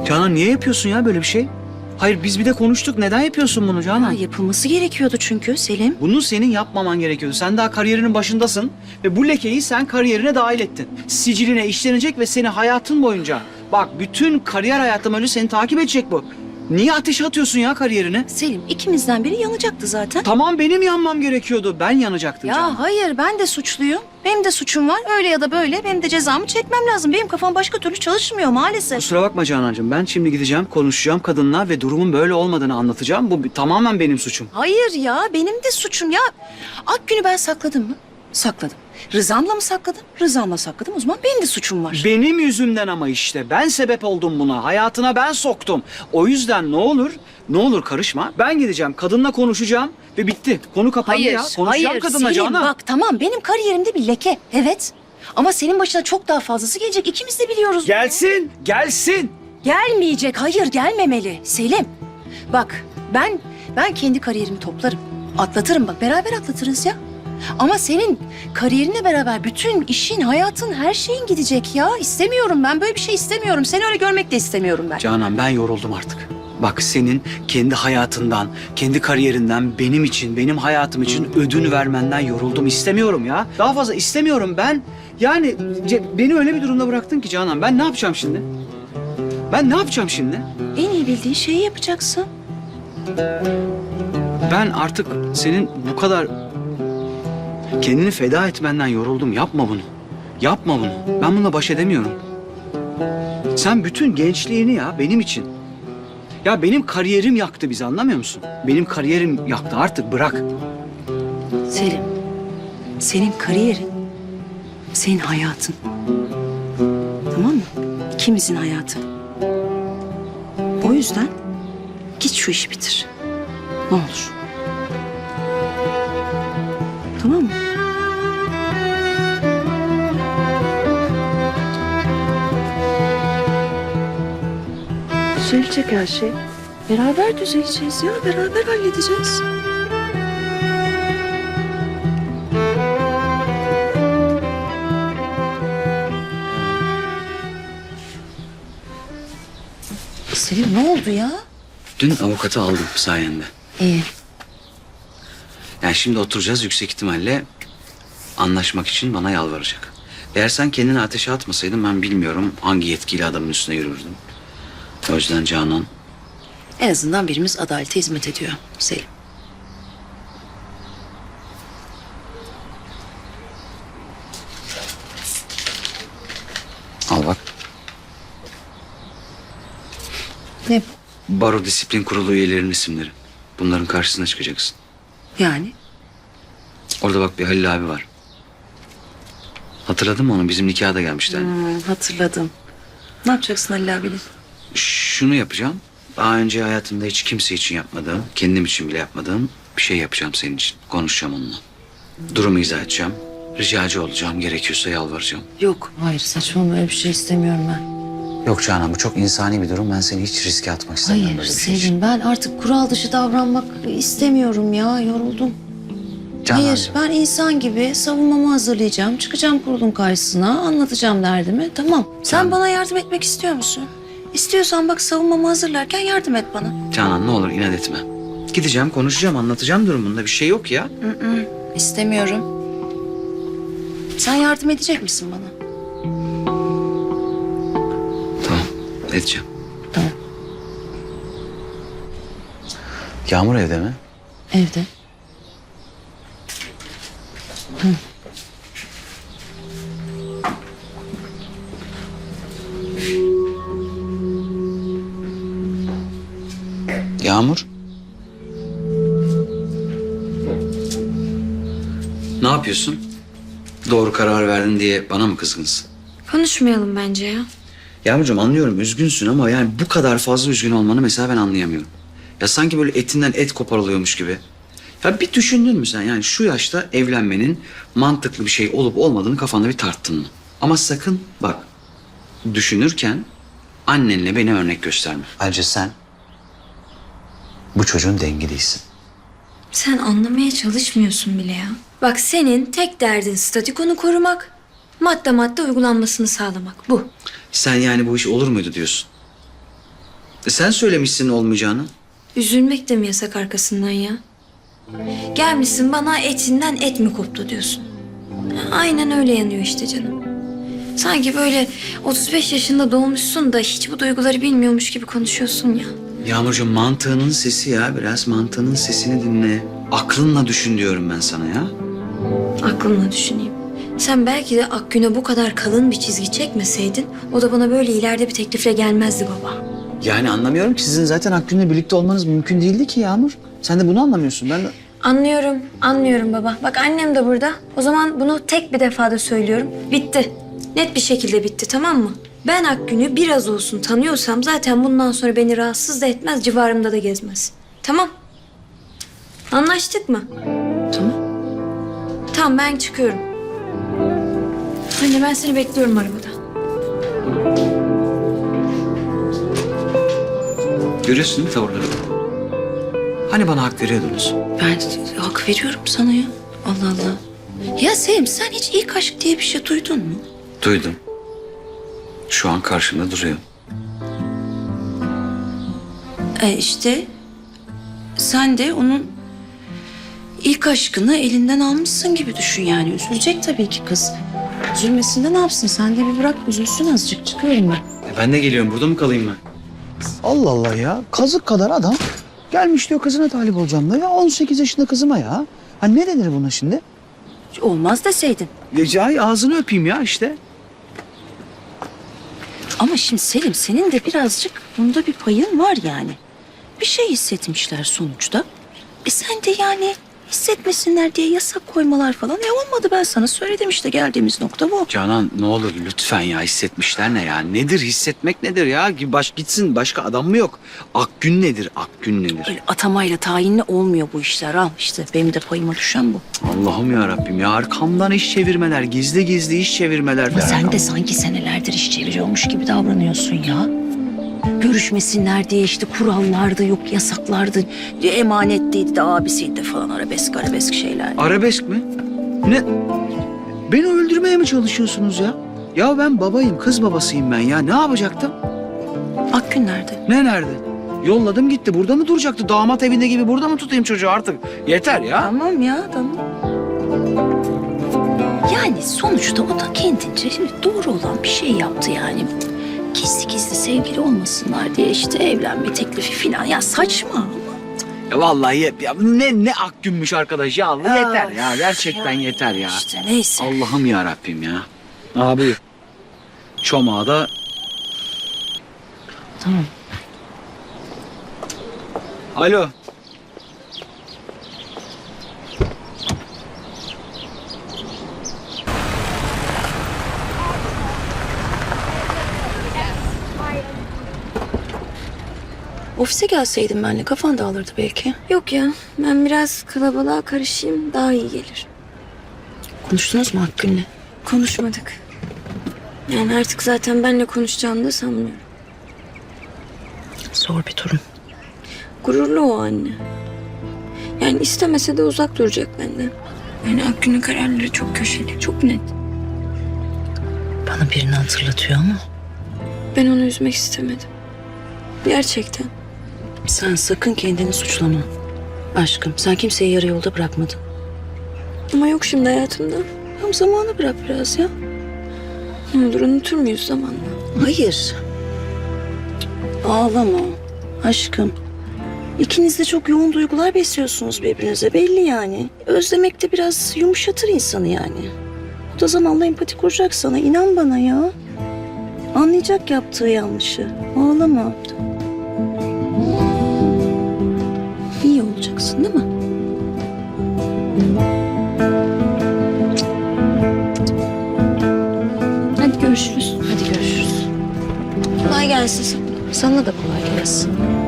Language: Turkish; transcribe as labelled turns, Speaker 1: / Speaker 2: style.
Speaker 1: Canan niye yapıyorsun ya böyle bir şey? Hayır biz bir de konuştuk. Neden yapıyorsun bunu Canan?
Speaker 2: Ya yapılması gerekiyordu çünkü Selim.
Speaker 1: Bunu senin yapmaman gerekiyordu. Sen daha kariyerinin başındasın ve bu lekeyi sen kariyerine dahil ettin. Siciline işlenecek ve seni hayatın boyunca... Bak bütün kariyer hayatım öyle seni takip edecek bu. Niye ateşe atıyorsun ya kariyerini?
Speaker 2: Selim ikimizden biri yanacaktı zaten.
Speaker 1: Tamam benim yanmam gerekiyordu. Ben yanacaktım Canan.
Speaker 2: Ya hayır ben de suçluyum. Benim de suçum var. Öyle ya da böyle benim de cezamı çekmem lazım. Benim kafam başka türlü çalışmıyor maalesef.
Speaker 1: Kusura bakma Canancığım. Ben şimdi gideceğim, konuşacağım kadınla ve durumun böyle olmadığını anlatacağım. Bu tamamen benim suçum.
Speaker 2: Hayır ya benim de suçum ya. Akgün'ü ben sakladım mı? Sakladım. Rızamla mı sakladım? Rızamla sakladım. O zaman benim de suçum var.
Speaker 1: Benim yüzümden ama işte. Ben sebep oldum buna. Hayatına ben soktum. O yüzden ne olur karışma. Ben gideceğim, kadınla konuşacağım ve bitti. Konu kapandı ya. Konuşacağım kadınla
Speaker 2: Selim
Speaker 1: Canan.
Speaker 2: bak tamam benim kariyerimde bir leke. Evet. Ama senin başına çok daha fazlası gelecek. İkimiz de biliyoruz.
Speaker 1: Gelsin, gelsin.
Speaker 2: Gelmeyecek. Hayır gelmemeli. Selim. Bak ben kendi kariyerimi toplarım. Atlatırım bak beraber atlatırız ya. Ama senin kariyerinle beraber bütün işin, hayatın, her şeyin gidecek ya. İstemiyorum ben böyle bir şey istemiyorum. Seni öyle görmek de istemiyorum ben.
Speaker 1: Canan ben yoruldum artık. Bak senin kendi hayatından, kendi kariyerinden benim için, benim hayatım için ödün vermenden yoruldum. İstemiyorum ya. Daha fazla istemiyorum ben. Yani beni öyle bir durumda bıraktın ki Canan. Ben ne yapacağım şimdi? Ben ne yapacağım şimdi?
Speaker 2: En iyi bildiğin şeyi yapacaksın.
Speaker 1: Ben artık senin bu kadar kendini feda etmenden yoruldum. Yapma bunu. Yapma bunu. Ben bununla baş edemiyorum. Sen bütün gençliğini ya benim için. Ya benim kariyerim yaktı bizi anlamıyor musun? Benim kariyerim yaktı artık bırak.
Speaker 2: Selim, senin kariyerin, senin hayatın. Tamam mı? İkimizin hayatı. O yüzden git şu işi bitir. Ne olur. Tamam mı? Düzelecek her şey. Beraber düzeleceğiz ya. Beraber halledeceğiz. Selim ne oldu ya?
Speaker 1: Dün avukatı aldım sayende.
Speaker 2: İyi.
Speaker 1: Yani şimdi oturacağız yüksek ihtimalle anlaşmak için bana yalvaracak. Eğer sen kendini ateşe atmasaydın ben bilmiyorum hangi yetkili adamın üstüne yürürdüm. O yüzden Canan
Speaker 2: En azından birimiz adalete hizmet ediyor Selim.
Speaker 1: al bak.
Speaker 2: Ne
Speaker 1: Baro Disiplin Kurulu üyelerinin isimleri. Bunların karşısına çıkacaksın.
Speaker 2: yani?
Speaker 1: Orada bak bir Halil abi var. Hatırladın mı onu? Bizim nikahda da gelmişti. Hani.
Speaker 2: Hatırladım. Ne yapacaksın Halil abiyle?
Speaker 1: Şunu yapacağım. Daha önce hayatımda hiç kimse için yapmadığım, kendim için bile yapmadığım bir şey yapacağım senin için. Konuşacağım onunla. Durumu izah edeceğim. Ricacı olacağım. Gerekiyorsa yalvaracağım.
Speaker 2: Yok. Hayır saçmalama öyle bir şey istemiyorum ben.
Speaker 1: Yok Canan bu çok insani bir durum. Ben seni hiç riske atmak istemiyorum
Speaker 2: Hayır
Speaker 1: böyle bir şey için.
Speaker 2: Selim ben artık kural dışı davranmak istemiyorum ya. Yoruldum. Hayır
Speaker 1: Canancığım.
Speaker 2: ben insan gibi savunmamı hazırlayacağım. Çıkacağım kurulun karşısına anlatacağım derdimi. Tamam. Sen
Speaker 1: Canan.
Speaker 2: bana yardım etmek istiyor musun? İstiyorsan bak savunmamı hazırlarken yardım et bana.
Speaker 1: Canan ne olur inat etme. Gideceğim, konuşacağım, anlatacağım durumunda. Bir şey yok ya.
Speaker 2: İstemiyorum. Sen yardım edecek misin bana?
Speaker 1: Tamam, edeceğim.
Speaker 2: Tamam.
Speaker 1: Yağmur evde mi?
Speaker 2: Evde.
Speaker 1: Yağmur. Ne yapıyorsun? Doğru karar verdin diye bana mı kızgınsın?
Speaker 3: Konuşmayalım bence ya.
Speaker 1: Yağmurcuğum anlıyorum üzgünsün ama yani bu kadar fazla üzgün olmanı mesela ben anlayamıyorum. Ya sanki böyle etinden et koparılıyormuş gibi. Ya bir düşündün mü sen yani şu yaşta evlenmenin mantıklı bir şey olup olmadığını kafanda bir tarttın mı? Ama sakın bak düşünürken annenle beni örnek gösterme. Ayrıca sen bu çocuğun dengi değilsin.
Speaker 3: Sen anlamaya çalışmıyorsun bile ya. Bak senin tek derdin statükonu korumak, madde madde uygulanmasını sağlamak. Bu.
Speaker 1: Sen yani bu iş olur muydu diyorsun. Sen söylemişsin olmayacağını.
Speaker 3: Üzülmek de mi yasak arkasından ya? Gelmişsin bana etinden et mi koptu diyorsun. Aynen öyle yanıyor işte canım. Sanki böyle 35 yaşında doğmuşsun da hiç bu duyguları bilmiyormuş gibi konuşuyorsun ya.
Speaker 1: Yağmurcuğum mantığının sesi ya. Biraz mantığının sesini dinle. Aklınla düşün diyorum ben sana ya.
Speaker 3: Aklımla düşüneyim. Sen belki de Akgün'e bu kadar kalın bir çizgi çekmeseydin o da bana böyle ileride bir teklifle gelmezdi baba.
Speaker 1: Yani anlamıyorum ki sizin zaten Akgün'le birlikte olmanız mümkün değildi ki Yağmur. Sen de bunu anlamıyorsun. Ben de...
Speaker 3: Anlıyorum baba. Bak annem de burada. O zaman bunu tek bir defada söylüyorum. Bitti. Net bir şekilde bitti, tamam mı? Ben Akgün'ü biraz olsun tanıyorsam zaten bundan sonra beni rahatsız da etmez, civarımda da gezmez. Tamam. Anlaştık mı?
Speaker 2: Tamam.
Speaker 3: Tamam, ben çıkıyorum. Anne ben seni bekliyorum arabada.
Speaker 1: Görüyorsun değil mi tavırları? Hani bana hak veriyordunuz?
Speaker 2: Ben hak veriyorum sana ya. Allah Allah. Ya Selim sen hiç ilk aşk diye bir şey duydun mu?
Speaker 1: Duydum. Şu an karşımda duruyor.
Speaker 2: İşte sen de onun ilk aşkını elinden almışsın gibi düşün yani. Üzülecek tabii ki kız. Üzülmesin de ne yapsın? Sen de bir bırak üzülsün azıcık. Çıkıyorum ben.
Speaker 1: Ben de geliyorum. Burada mı kalayım ben?
Speaker 4: Allah Allah ya. Kazık kadar adam gelmiş diyor kızına talip olacağım da ya 18 yaşında kızıma ya. Ha ne denir buna şimdi?
Speaker 2: Olmaz deseydin.
Speaker 4: Recai ağzını öpeyim ya işte.
Speaker 2: Ama şimdi Selim senin de birazcık bunda bir payın var yani. Bir şey hissetmişler sonuçta. Sen de yani hissetmesinler diye yasak koymalar falan. Olmadı ben sana söyledim işte geldiğimiz nokta bu.
Speaker 1: Canan ne olur lütfen ya hissetmişler ne ya? Nedir hissetmek nedir ya? Gitsin başka adam mı yok? Akgün nedir? Akgün nedir?
Speaker 2: Öyle atamayla tayinle olmuyor bu işler al işte benim de payıma düşen bu.
Speaker 1: Allah'ım ya Rabbim ya arkamdan iş çevirmeler, gizli gizli iş çevirmeler.
Speaker 2: Ama sen de sanki senelerdir iş çeviriyormuş gibi davranıyorsun ya. Görüşmesinler diye işte kurallardı, yok yasaklardı, emanetteydi de abisiydi falan arabesk şeyler.
Speaker 1: Arabesk mi? Ne? Beni öldürmeye mi çalışıyorsunuz ya? Ya ben babayım, kız babasıyım ben ya. Ne yapacaktım?
Speaker 2: Akgün nerede?
Speaker 1: Ne nerede? Yolladım gitti. Burada mı duracaktı? Damat evinde gibi burada mı tutayım çocuğu artık? Yeter ya.
Speaker 2: Tamam ya tamam. Yani sonuçta o da kendince şimdi doğru olan bir şey yaptı yani. Gizli gizli sevgili olmasınlar diye işte evlenme teklifi falan. Ya saçma ama.
Speaker 1: Ya vallahi ya ne Akgünmüş arkadaş ya. Yeter ya. Gerçekten yeter ya.
Speaker 2: İşte neyse.
Speaker 1: Allah'ım ya Rabbim ya. Abi çomağı da
Speaker 2: Tamam.
Speaker 1: alo.
Speaker 2: Ofise gelseydin benimle kafan dağılırdı belki.
Speaker 3: Yok ya, ben biraz kalabalığa karışayım daha iyi gelir.
Speaker 2: Konuştunuz mu Akgün'le?
Speaker 3: Konuşmadık. Yani artık zaten benimle konuşacağını da sanmıyorum.
Speaker 2: Zor bir durum.
Speaker 3: Gururlu o anne. Yani istemese de uzak duracak benden. Yani Akgün'ün kararları çok köşeli, çok net.
Speaker 2: Bana birini hatırlatıyor ama.
Speaker 3: Ben onu üzmek istemedim. Gerçekten.
Speaker 2: Sen sakın kendini suçlama. Aşkım sen kimseyi yarı yolda bırakmadın.
Speaker 3: Ama yok şimdi hayatımda.
Speaker 2: Tam zamanı bırak biraz ya.
Speaker 3: Ne olur unutur muyuz zamanla?
Speaker 2: Hayır. Ağlama aşkım. İkiniz de çok yoğun duygular besliyorsunuz birbirinize belli yani. Özlemek de biraz yumuşatır insanı yani. O da zamanla empati kuracak sana inan bana ya. Anlayacak yaptığı yanlışı. Ağlama. İyi olacaksın değil mi?
Speaker 3: Hadi görüşürüz.
Speaker 2: Hadi görüşürüz.
Speaker 3: Kolay gelsin sana.
Speaker 2: Sana da kolay gelsin.